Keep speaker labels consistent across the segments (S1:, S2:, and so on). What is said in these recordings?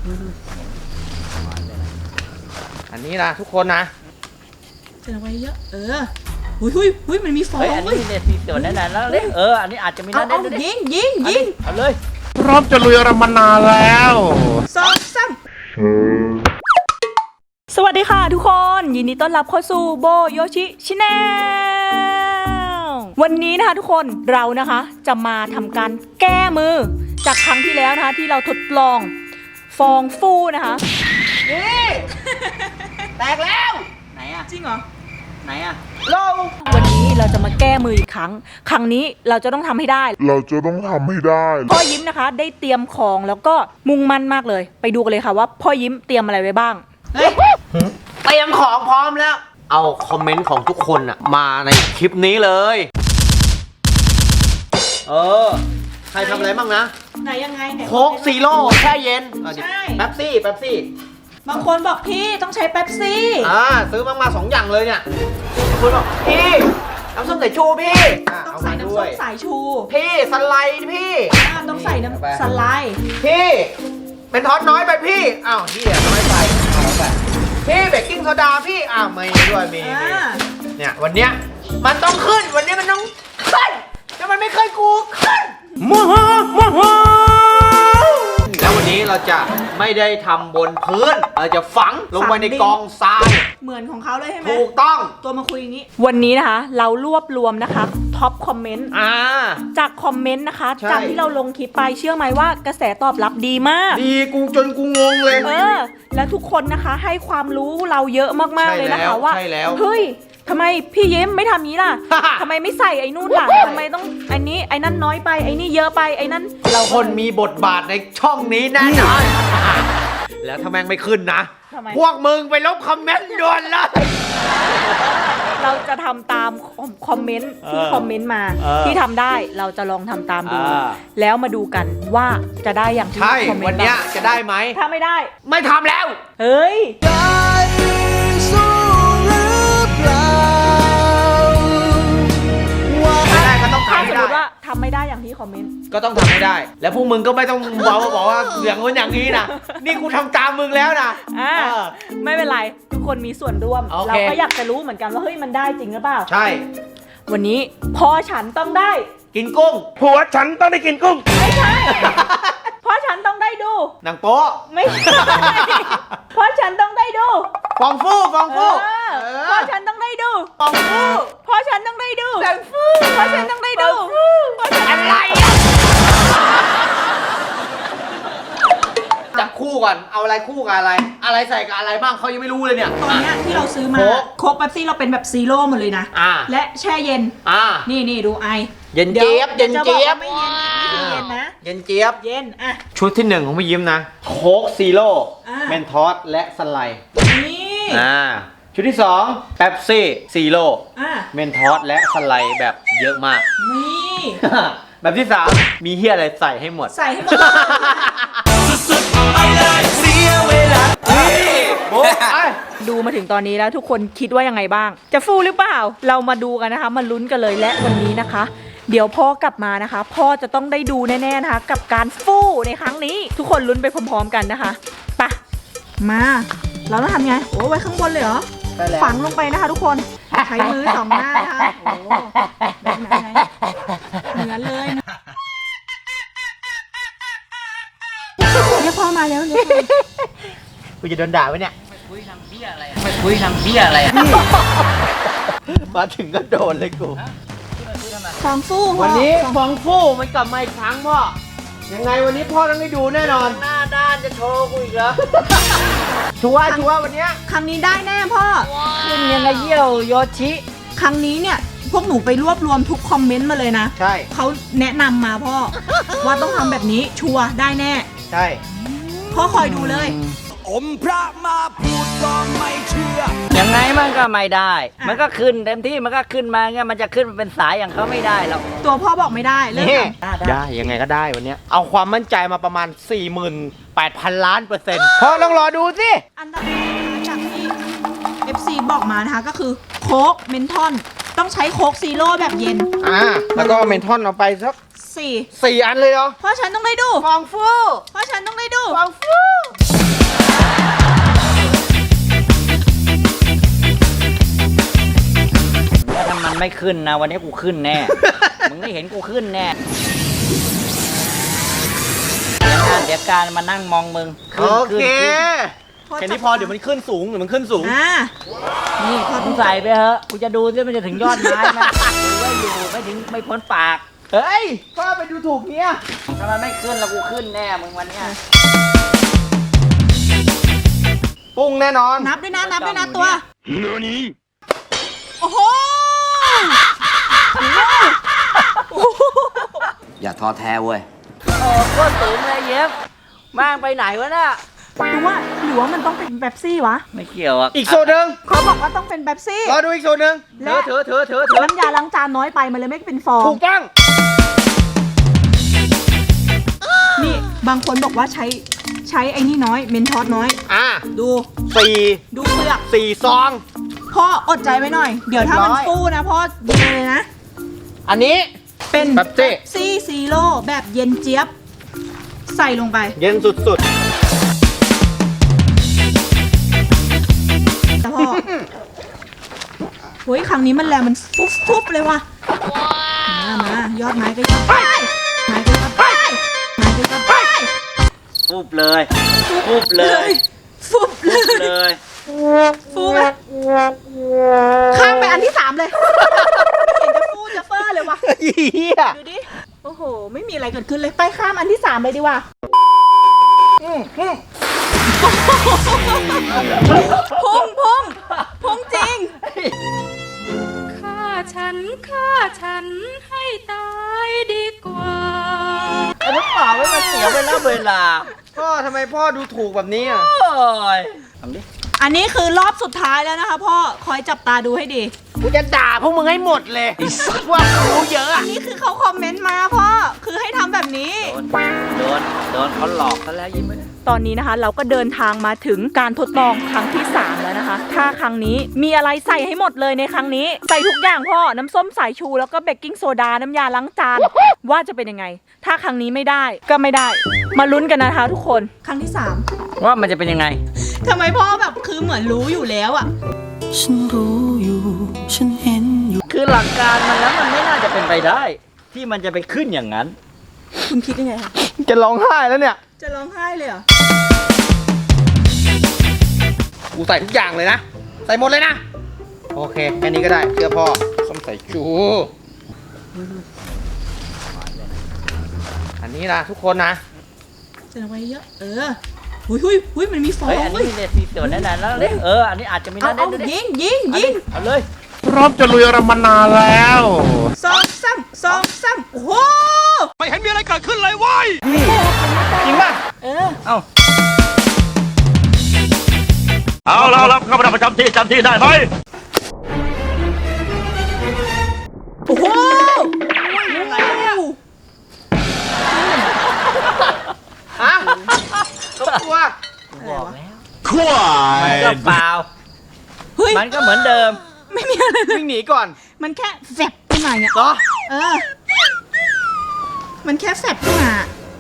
S1: อันนี้นะทุกคนนะ
S2: ใส่ลงไปเยอะหุ้ยมันมีฟอง
S3: อันนี้เนี่ยสีเขียวแน่ๆแล้วเลยอันนี้อาจจะมีน่าเด่นด้วย
S2: ยิง
S3: เอาเลย
S1: พร้อมจะลุยอะไรมานานแล้ว
S2: 2 3สวัสดีค่ะทุกคนยินดีต้อนรับเข้าสู่โบโยชิชิแนลวันนี้นะคะทุกคนเรานะคะจะมาทำการแก้มือจากครั้งที่แล้วนะคะที่เราทดลองฟองฟูนะคะ
S3: นี่แตกแล้วไหนอะ
S2: จริงเหรอ
S3: ไหนอะ
S2: วันนี้เราจะมาแก้มืออีกครั้งนี้เราจะต้องทำให้ได้พ่อยิ้มนะคะได้เตรียมของแล้วก็มุ่งมั่นมากเลยไปดูกันเลยค่ะว่าพ่อยิ้มเตรียมอะไรไว้บ้าง
S1: เตรียมของพร้อมแล้วเอาคอมเมนต์ของทุกคนอะมาในคลิปนี้เลยใครทำอะไรบ้างนะ
S2: ไหนยังไงเนี่ย
S1: โค้กซีโร่แช่เย็น
S2: ใช่
S1: แป๊บซี่
S2: บางคนบอกพี่ต้องใช้เป๊ปซี่
S1: ซื้อมา2 อย่างเลยเนี่ยคุณบอกพี่น้ำส้มสายชูพี่
S2: ต้องใส่น้ำส้มสายชู
S1: พี่สไลด์พี่
S2: ต้องใส่น้ำสไลด์
S1: พี่เป็นทอดน้อยไปพี่อ้าวพี่น้อยไปพี่เบกกิ้งโซดาพี่ไม่ด้วยมีเนี่ยวันเนี้ยมันต้องขึ้นวันนี้มันต้องขึ้นถ้ามันไม่เคยกูขึ้นแล้ววันนี้เราจะไม่ได้ทำบนพื้นเราจะฝังลงไปในกองทราย
S2: เหมือนของเขาเลยใช่ไหม
S1: ถูกต้อง
S2: ตัวมาคุยอย่างนี้วันนี้นะคะเรารวบรวมนะคะท็อปคอมเมนต์จากคอมเมนต์นะคะจากที่เราลงคลิปไปเชื่อไหมว่ากระแสตอบรับดีมาก
S1: ดีกูจนกูงงเลย
S2: แล้วทุกคนนะคะให้ความรู้เราเยอะมากๆเลยนะคะว่าเฮ้ยทำไมพี่ยิ้มไม่ทำนี้ล่ะ ทำไมไม่ใส่ไอ้นู่นล่ะทำไมต้องไอ้นี้ไอ้นั่นน้อยไปไอ้นี่เยอะไปไอ้นั่น
S1: เราคนมีบทบาทในช่องนี้แน่นอนแล้วถ้าแม่งไม่ขึ้นนะพวกมึงไปลบคอมเมนต์ด่วนเลย
S2: เราจะทำตามคอมเมนต์ที่คอมเมนต์มาที่ทำได้เราจะลองทำตามดูแล้วมาดูกันว่าจะได้อย่างที่คอมเมนต์
S1: วันนี้จะได้ไหม
S2: ถ้าไม่ได้
S1: ไม่ทำแล้ว
S2: เฮ้ยถ้าสมมติว่าทำไม่ได้อย่างที่คอมเมนต์
S1: ก็ต้องทำให้ได้แล้วพวกมึงก็ไม่ต้องบอกว่าอย่างนู้นอย่างนี้นะนี่กูทำตามมึงแล้วนะ
S2: ไม่เป็นไรทุกคนมีส่วนร่วมเราก็อยากจะรู้เหมือนกันว่าเฮ้ยมันได้จริงหรือเปล่า
S1: ใช่
S2: วันนี้พ่อฉันต้องได้
S1: กินกุ้งผัวฉันต้องได้กินกุ้ง
S2: ไม่ใช่พ่อฉันต้องได้ดู
S1: หนังโป๊ะ
S2: ไม่ใช่พ่อฉันต้องได้ดู
S1: ฟองฟู
S2: พ่อฉันต้องได้ดู
S1: ฟองฟู
S2: พ่อฉันต้องได้ดู
S1: ฟองฟู
S2: พ่อฉันต้องได้ดู
S1: อะไรจับคู่ก่อนเอาอะไรคู่กับอะไรใส่กับอะไรบ้างเขายังไม่รู้เลยเนี่ย
S2: ตอนนี้ที่เราซื้อมาโค้กเป๊ปซี่เราเป็นแบบซีโร่หมดเลยนะและแช่เย็นนี่ดูไอ
S1: เย็นเจี๊ยบเย็นเจี๊ยบ
S2: ไม่เย็นเย็นนะ
S1: เย็นเจี๊ยบ
S2: เย็น
S1: ชุดที่1ของพี่ยิ้มนะโค้กซีโร่เมนทอสและสไลด์นี่ชุดที่2เป๊ปซี่ซีโร่เมนทอสและสไลด์แบบเยอะมาก
S2: นี่
S1: แบบที่3มีเฮียอะไรใส่ให้หมด
S2: สุดๆไปเลยเสียเวลาดูมาถึงตอนนี้แล้วทุกคนคิดว่ายังไงบ้างจะฟูหรือเปล่าเรามาดูกันนะคะมาลุ้นกันเลยและวันนี้นะคะเดี๋ยวพ่อกลับมานะคะพ่อจะต้องได้ดูแน่ๆนะคะกับการฟูในครั้งนี้ทุกคนลุ้นไปพร้อมๆกันนะคะไปมาเราต้องทำไงโอ้ไว้ข้างบนเลยเหรอฝังลงไปนะคะทุกคนใช้มือ2 หน้านะคะโอ้แบบไหนเหมือนเลยเรียกพ่อมาแล้วเรียก
S1: กูจะโดนด่าไว้เนี่ย
S3: คุยทำเบี้ยอะไร
S1: มาถึงก็โดนเลยกู
S2: ฟองฟู
S1: วันนี้ฟองฟูมันกลับมาอีกครั้งพ่อยังไงวันนี้พ่อต้องได้ดูแน่นอน
S3: หน้าด้านจะโชว์กูอีกเหรอ
S1: ชัวร์วันนี้
S2: ครั้งนี้ได้แน่พ่อ
S3: ขึ้นยังไงเยี่ยวโยชิ
S2: ครั้งนี้เนี่ยพวกหนูไปรวบรวมทุกคอมเมนต์มาเลยนะ
S1: ใช่
S2: เขาแนะนำมาพ่อว่าต้องทำแบบนี้ชัวร์ได้แน่
S1: ใช่
S2: พ่อคอยดูเลย
S4: อมพระมาพูดก็ไม่เชื่อ
S3: ยังไงมันก็ไม่ได้มันก็ขึ้นเต็มที่มันก็ขึ้นมาไงมันจะขึ้นเป็นสายอย่างเขาไม่ได้หรอก
S2: ตัวพ่อบอกไม่ได้เลย
S1: ได้ยังไงก็ได้วันนี้เอาความมั่นใจมาประมาณ 48,000 ล้าน%พ่อต้องรอดูสิ
S2: อันดับจากที่ FC บอกมานะคะก็คือโค้กเมนทอนต้องใช้โค้กซีโร่แบบเย็น
S1: แล้วก็เมนทอนเอาไปสัก4 อันเลยเหรอ
S2: พ่อฉันต้องได้ดู
S1: ฟองฟู
S2: พ่อฉันต้องได้ดู
S1: ฟองฟู
S3: ไม่ขึ้นนะวันนี้กูขึ้นแน่ มึงได้เห็นกูขึ้นแน่เดี๋ยวการมานั่งมองมึง
S1: โอเคแค่นี้พอเดี๋ยวมันขึ้นสูงเดี๋ยวมันขึ้นสูง
S3: นี่มึงใส่ไปเถอะกูจะดูซิมันจะถึงยอดไม้ไหมดูว่าอยู่ไม่พ้นปาก
S1: เฮ้ยพ่อไปดูถูกเนี่ย
S3: ถ้ามันไม่ขึ้นแล้วกูขึ้นแน่มึงวันเนี้ย
S1: ปุ้งแน่นอน
S2: นับด้วยนะตัวโอ้โห
S3: อย่าท้อแท้เว้ยโอ้โคตรสูงเลยเย็บมางไปไหนวะน่ะ
S2: ดูว่าหรือว่ามันต้องเป็นเป๊ปซี่วะ
S3: ไม่เกี่ยวอ่ะ
S1: อีกโซนหนึ่ง
S2: เขาบอกว่าต้องเป็นเป๊ปซี่
S1: รอดูอีกโซนหนึ่งเถอะ
S2: น้ำยาล้างจานน้อยไปมันเลยไม่เป็นฟอง
S1: ถูกต้อง
S2: นี่บางคนบอกว่าใช้ไอ้นี่น้อยเมนทอสน้อย ดู
S1: 4
S2: ดูเปลือก
S1: 4 ซอง
S2: พ่ออดใจไว้หน่อย เดี๋ยวถ้ามัน
S1: เรียบร้อย
S2: ฟูนะพ่อยิงเลยนะ
S1: อันนี้
S2: เป็น
S1: เป๊ปซี่
S2: ซี่ซีโร่แบบเย็นเจี๊ยบ ใส่ลงไป
S1: เย็นสุด
S2: แต่พ่อเฮ้ยครั้งนี้มันแรงมันฟุบเลยว่ะมายอดไม้ก็ยอดไปไม้ก็ยอดไปไม้ก็ยอดไป
S3: ฟุบเลยฟุบเลย
S2: ฟุบเล
S3: ฟุบ
S2: ย
S3: เลย
S2: ฟูไหมข้ามไปอันที่ 3 เลย ไม่เห็นจะฟูจะเฟอร์เลยว่ะ
S1: ๆเฮีย
S2: ดูดิ โอ้โห ไม่มีอะไรเกิดขึ้นเลย ไปข้ามอันที่ 3 เลยดีกว่าพุ่งจริง
S5: ฆ่าฉันให้ตายดีกว่า
S3: ไอ้ลูกเปล่าไม่มาเสียเวลา
S1: พ่อทำไมพ่อดูถูกแบบนี้อ่ะ
S3: โอ้ยทำดิ
S2: อันนี้คือรอบสุดท้ายแล้วนะคะพ่อ คอยจับตาดูให้ดี
S1: กูจะด่าพวกมึงให้หมดเลยพวกรู้เยอะ
S2: อันนี้คือเขาคอมเมนต์มาพ่อ คือให้ทำแบบนี้
S3: โดนเขาหลอกซะแล้วยิ้มไม่ได้
S2: ตอนนี้นะคะเราก็เดินทางมาถึงการทดลองครั้งที่ 3 แล้วนะคะ ถ้าครั้งนี้มีอะไรใส่ให้หมดเลยในครั้งนี้ ใส่ทุกอย่างพ่อ น้ำส้มสายชูแล้วก็เบกกิ้งโซดา น้ำยาล้างจาน ว่าจะเป็นยังไง ถ้าครั้งนี้ไม่ได้ก็ไม่ได้ มาลุ้นกันนะคะทุกคน ครั้งที่
S3: ว่ามันจะเป็นยังไง
S2: 3ทำไมพ่อแบบคือเหมือนรู้อยู่แล้วอะ
S4: ฉันรู้อยู่ ฉันเห็นอยู่
S3: คือหลักการมันแล้วมันไม่น่าจะเป็นไปได้ ที่มันจะไปขึ้นอย่างนั้น
S2: คุณคิดยังไงคะ
S1: จะร้องไห้แล้วเนี่ย
S2: จะร้องไห้เลยเหรอ
S1: กูใส่ทุกอย่างเลยนะ ใส่หมดเลยนะ โอเค แค่นี้ก็ได้เชื่อพ่อส้มใส่ชูอันนี้นะทุกคนนะ
S2: ใส่ลงไปเยอะ หุยมันมีฟอง
S3: เฮ้ย อันนี้มีเด็ดมีส่วนแน่นอนแล้วเลยอันนี้อาจจะมี
S2: เอา
S3: น่าเด่นด้วยดิ
S2: ยิง
S3: เอาเลย
S6: พร้อมจะลุยอะไรมานานแล้ว
S2: สองซ้ำโอ้โห
S4: ไม่เห็นมีอะไรเกิดขึ้นเลยเว้ย
S1: จริงป่ะ
S3: เอา
S6: เอาแล้วเข้ามาประจำที่จำที่ได้ไหม
S2: โอ้โห
S1: ฮะก็กลัว
S3: บอกแล้ว
S6: ควา
S3: มันก็เปล่า
S2: เฮ้ย
S3: มันก็เหมือนเดิม
S2: ไม่มีอะไรเลย
S1: วิ่งหนีก่อน
S2: มันแค่แฟบขึ้นมาเนี่ย
S1: เหรอ
S2: มันแค่แฟบขึ้นมา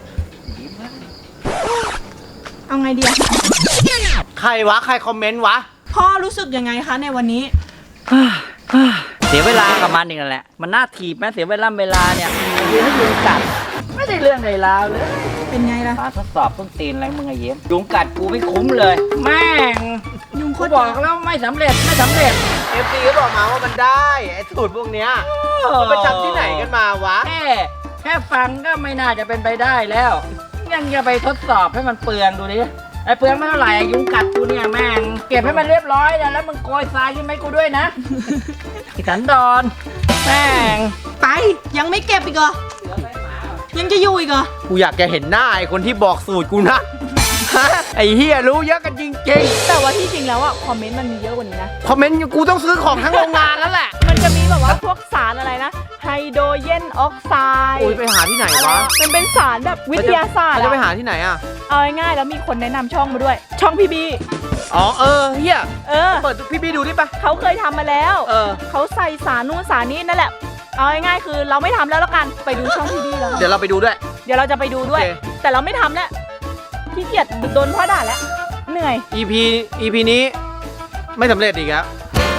S2: เอาไงดีอะ
S1: ใครวะ ใครคอมเมนต์วะ
S2: พ่อรู้สึกยังไงคะในวันนี้
S3: เสียเวลากับมันอีกนั่นแหละ มันน่าถีบไหมเสียเวลาเนี่ยยืนให้ยุงกัด ไม่ได้เรื่องใดราวเลย
S2: เป็นไงล่ะ
S3: มาทดสอบต้นตีนอะไรมึงไอ้เย็มยุงกัดกูไม่คุ้มเลย แม่ง
S2: ยุงโค
S3: กู
S2: ตร
S3: บอกแล้วไม่สำเร็จ
S1: FC ก็บอกมาว่ามันได้ ไอ้สูตรพวกเนี้ยมันไปจำที่ไหนกันมาวะ
S3: แค่ฟังก็ไม่น่าจะเป็นไปได้แล้ว ยังจะไปทดสอบให้มันเปลืองดูดิ ไอ้เปลืองไม่เท่าไหร่ยุงกัดกูเนี่ยแม่ง เก็บให้มันเรียบร้อยนะแล้วมึงโกยทรายขึ้นไหมกูด้วยนะ อีสันดอนแม่ง
S2: ไป ยังไม่เก็บอีกเหรอ ยังจะอยู่อีกเหรอ
S1: กูอยากจะเห็นหน้าไอ้คนที่บอกสูตรกูนะ ไอ้เฮียรู้เยอะกันจริง
S2: แต่ว่าที่จริงแล้วอะคอมเมนต์มันมีเยอะกว่านี้นะ
S1: ๆ คอมเมนต์กูต้องซื้อของทั้งโรงงานแล้วแหละ
S2: มันจะมีแบบว่าพวกสารอะไรนะ ไฮโดรเจนออกไซด์
S1: อุ้ยไปหาที่ไหนวะ
S2: มันเป็นสารแบบวิทยาศาสตร์
S1: จะไป
S2: อะ
S1: หาที่ไหนอ่ะ
S2: เอาง่ายๆแล้วมีคนแนะนำช่องมาด้วย ช่องพี่บี
S1: อ๋อเฮีย เปิดพี่บี้ดูดิปะ
S2: เขาเคยทำมาแล้ว เขาใส่สารนู่นสารนี้นั่นแหละ เอาง่ายๆคือเราไม่ทำแล้วกัน ไปดูช่องพี่บีแล้ว
S1: เดี๋ยวเราไปดูด้วย
S2: เดี๋ยวเราจะไปดูด้วย
S1: โอเค
S2: แต่เราไม่ทำแล้วขี้เกียจโดนพ่อด่าแล้ว เหนื่อย
S1: EP นี้ไม่สำเร็จอีกแล้ว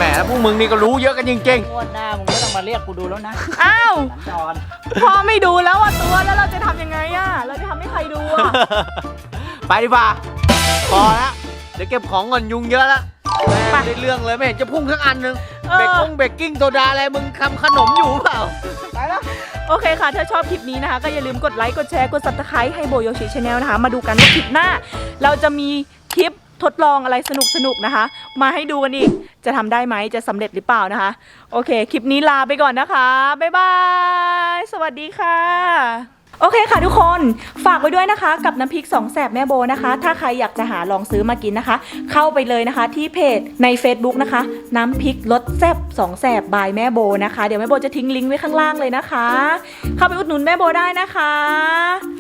S1: หมแล้วพวกมึงนี่ก็รู้เยอะกันจริง
S3: งวดหน้ามึงไม่ต้องมาเรียกกูดูแล้วนะ
S2: อ้าว
S3: สัญจร
S2: พ่อไม่ดูแล้วอะตัวแล้วเราจะทำยังไงอะเราจะทำให้ใครดูอะ
S1: ๆ ไปดีกว่าพอแล้วเดี๋ยวเก็บของก่อนยุงเยอะแล้วไม่ได้เรื่องเลยไม่เห็นจะพุ่งทั้งอันนึงเบกกิ้งโซดาอะไรมึงทำขนมอยู่เปล่าไปแล้ว
S2: โอเคค่ะ ถ้าชอบคลิปนี้นะคะ ก็อย่าลืมกดไลค์ กดแชร์ กด subscribe ให้โบโยชิชาแนลนะคะ มาดูกันว่าคลิปหน้า เราจะมีคลิปทดลองอะไรสนุกๆนะคะ มาให้ดูกันอีก จะทำได้ไหม จะสำเร็จหรือเปล่านะคะ โอเค คลิปนี้ลาไปก่อนนะคะ บ๊ายบาย สวัสดีค่ะ โอเคค่ะทุกคน ฝากไว้ด้วยนะคะกับน้ำพริก2 แสบแม่โบนะคะ ถ้าใครอยากจะหาลองซื้อมากินนะคะ เข้าไปเลยนะคะที่เพจใน Facebook นะคะ น้ำพริกรสแซ่บ2 แสบบายแม่โบนะคะ เดี๋ยวแม่โบจะทิ้งลิงก์ไว้ข้างล่างเลยนะคะ เข้าไปอุดหนุนแม่โบได้นะคะ